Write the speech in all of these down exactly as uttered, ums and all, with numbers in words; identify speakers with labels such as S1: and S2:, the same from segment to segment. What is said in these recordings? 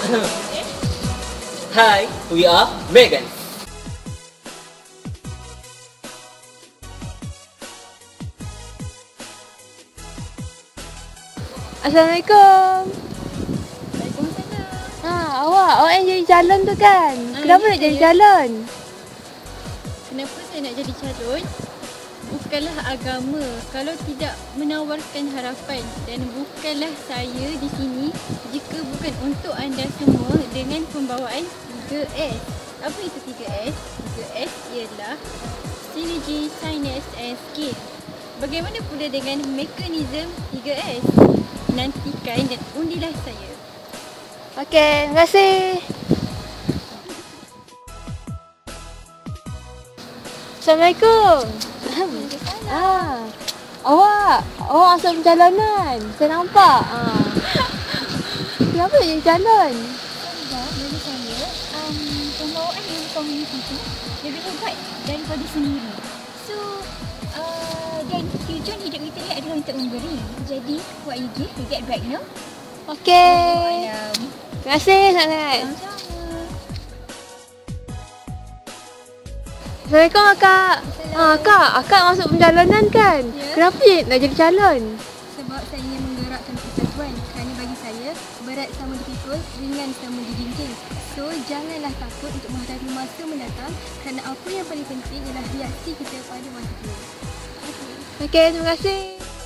S1: Hi, we are Megan.
S2: Assalamualaikum.
S3: Waalaikumsalam.
S2: Ha, awak, awak yang jadi calon tu kan?
S3: Ha,
S2: Kenapa
S3: ya,
S2: nak jadi
S3: saya.
S2: calon?
S3: Kenapa saya nak jadi calon? Bukanlah agama kalau tidak menawarkan harapan, dan bukanlah saya di sini jika bukan untuk anda semua dengan pembawaan tiga S. Apa itu tiga S? tiga S ialah Synergy, Sinus and Skill. Bagaimana pula dengan mekanisme tiga S? Nantikan dan undilah saya.
S2: Okey, terima kasih. Assalamualaikum. Ah, awak, awak asal pencalonan. Saya nampak. Ah. Kenapa nak jadi calon?
S3: Sebab bagi saya, um, pembawaan yang komuniti itu lebih hebat daripada sendiri. So, uh, dan tujuan hidup kita ni adalah untuk memberi. Jadi, what you give, you get back, no?
S2: Okey.
S3: Um,
S2: Terima kasih sangat.
S3: sama-sama.
S2: Assalamualaikum akak. Ah, akak, akak masuk pencalonan kan?
S3: Ya.
S2: Kenapa je nak jadi calon?
S3: Sebab saya ingin menggerakkan persatuan. Kerana bagi saya, berat sama dipikul, ringan sama dijinjing. So, janganlah takut untuk menghadapi masa mendatang, kerana apa yang paling penting ialah reaksi kita pada masa itu. Okay.
S2: Okey, terima kasih.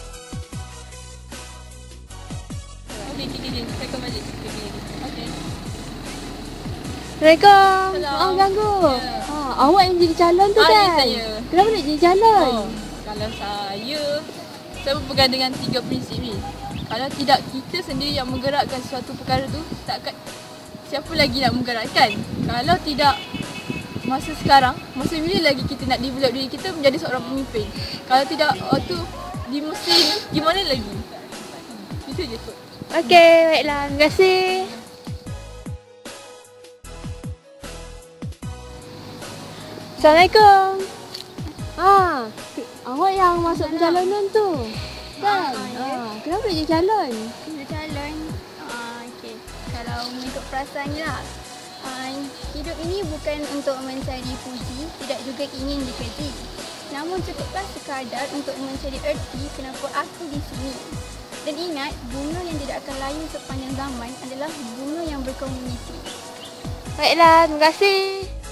S3: Okey, okey, okey. Saya akan balik. Okey.
S2: Assalamualaikum.
S3: Salam.
S2: Maaf ganggu.
S3: Ya.
S2: Ha, awak yang jadi calon tu
S3: Ah, ya,
S2: kan?
S3: saya.
S2: Kenapa nak jadi calon?
S4: Oh, kalau saya, saya berpegang dengan tiga prinsip ni. Kalau tidak kita sendiri yang menggerakkan suatu perkara tu, takkan siapa lagi nak menggerakkan? Kalau tidak masa sekarang, masa bila lagi kita nak develop diri kita menjadi seorang pemimpin? Kalau tidak waktu di masa ini, gimana lagi? Itu je kot.
S2: Okey, baiklah. Terima kasih. Assalamualaikum. Ah, ke- awak yang masuk pencalonan tu. Kan?
S3: Ah, ya.
S2: Ah, kenapa nak jadi calon?
S3: Jadi calon, uh, okay. Kalau mengikut perasaannya lah, uh, hidup ini bukan untuk mencari puji, tidak juga ingin dipuji. Namun cukuplah sekadar untuk mencari erti kenapa aku di sini. Dan ingat, bunga yang tidak akan layu sepanjang zaman adalah bunga yang berkomuniti.
S2: Baiklah, terima kasih.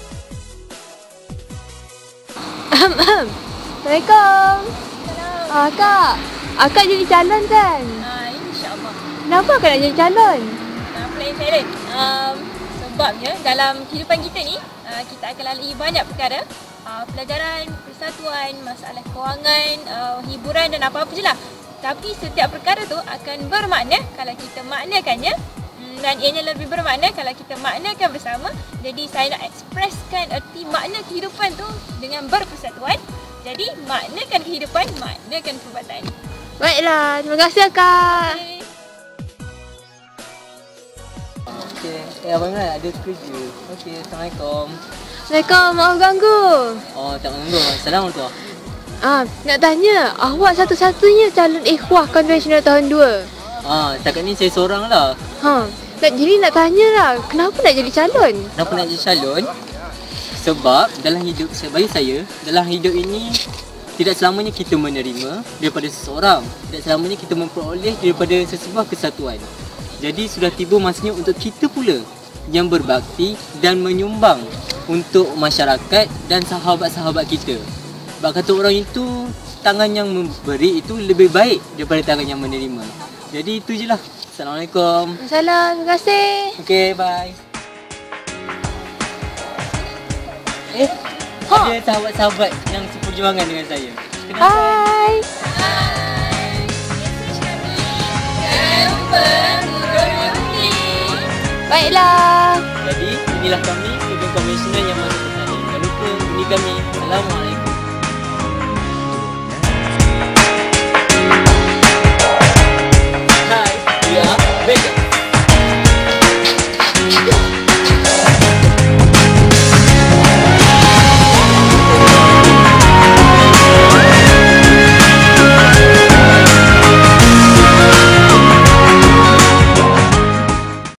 S2: Assalamualaikum. Ah, Kak, akak jadi calon kan?
S4: Ah, InsyaAllah.
S2: Kenapa akak nak jadi calon?
S4: Uh, plan saya ni, um, sebabnya dalam kehidupan kita ni, uh, kita akan lalui banyak perkara. Uh, pelajaran, persatuan, masalah kewangan, uh, hiburan dan apa-apa je lah. Tapi setiap perkara tu akan bermakna kalau kita maknakannya, mm, dan ianya lebih bermakna kalau kita maknakan bersama. Jadi saya nak ekspreskan erti makna kehidupan tu dengan berpersatuan. Jadi maknakan kehidupan, maknakan perbuatan.
S2: Baiklah, terima kasih akak.
S4: Okay.
S1: Okey, eh abang Imran ada kerja. Okey, Assalamualaikum.
S2: Assalamualaikum, maaf ganggu.
S1: Oh, tak mengganggu. Assalamualaikum.
S2: Ah, nak tanya, awak satu-satunya calon ikhwah konvensional tahun dua.
S1: Ah, setakat ni saya seorang lah.
S2: Ha, nak jadi nak tanya lah, kenapa nak jadi calon?
S1: Kenapa nak jadi calon? Sebab dalam hidup saya, bagi saya, dalam hidup ini tidak selamanya kita menerima daripada seseorang. Tidak selamanya kita memperoleh daripada sesebuah kesatuan. Jadi sudah tiba masanya untuk kita pula yang berbakti dan menyumbang untuk masyarakat dan sahabat-sahabat kita. Sebab kata orang itu, tangan yang memberi itu lebih baik daripada tangan yang menerima. Jadi itu je lah. Assalamualaikum.
S2: Assalamualaikum, terima kasih.
S1: Okay, bye. Eh,
S2: Ha.
S1: ada sahabat-sahababat yang seperjuangan dengan saya. Kenapa?
S2: Hai. Baiklah.
S1: Jadi, inilah kami, student konvensional yang masuk ke sana. Jangan lupa undi kami. Assalamualaikum.